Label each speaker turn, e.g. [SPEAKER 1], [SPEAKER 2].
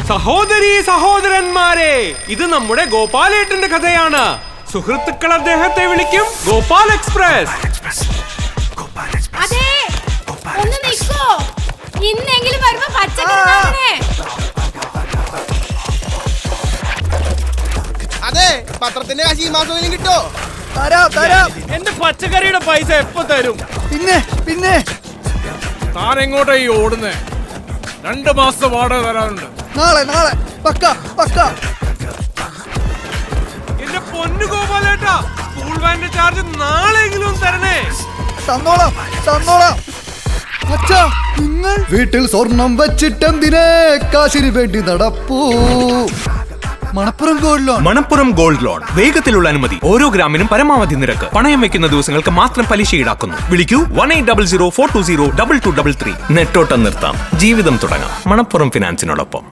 [SPEAKER 1] സഹോദരീ സഹോദരന്മാരെ, ഇത് നമ്മുടെ ഗോപാലേട്ടന്റെ കഥയാണ്. സുഹൃത്തുക്കൾ അദ്ദേഹത്തെ വിളിക്കും ഗോപാൽ എക്സ്പ്രസ്.
[SPEAKER 2] അതെ, ഒന്ന് നിൽക്കോ, ഇന്നെങ്കിലും വരുമ്പോ പച്ചക്കറി.
[SPEAKER 3] അതെ, പത്രത്തിന്റെ കാശ് ഈ മാസം കിട്ടോ?
[SPEAKER 4] എന്റെ പച്ചക്കറിയുടെ പൈസ എപ്പോ തരും?
[SPEAKER 3] പിന്നെ
[SPEAKER 4] താൻ എങ്ങോട്ടാ ഈ ഓടുന്നേ? 2 മാസത്തെ വാടക തരാനുണ്ട്.
[SPEAKER 3] നാളെ പക്ക.
[SPEAKER 1] എന്റെ പൊന്നു ഗോപാലേട്ടാ, സ്കൂൾ വാന്റെ ചാർജ് നാളെങ്കിലും തരണേ.
[SPEAKER 3] തന്നോളാം. അച്ഛാ, നിങ്ങൾ വീട്ടിൽ സ്വർണം വെച്ചിട്ടെന്തിനെ കാശിന് വേണ്ടി നടപ്പൂ.
[SPEAKER 1] Manappuram gold loan. വേഗത്തിലുള്ള അനുമതി, ഓരോ ഗ്രാമിനും പരമാവധി നിരക്ക്. പണയം വെക്കുന്ന ദിവസങ്ങൾക്ക് മാത്രം പലിശ ഈടാക്കുന്നു. വിളിക്കൂ 1800 420 2233. നെട്ടോട്ടം നിർത്താം, ജീവിതം തുടങ്ങാം. മണപ്പുറം ഫിനാൻസിനോടൊപ്പം.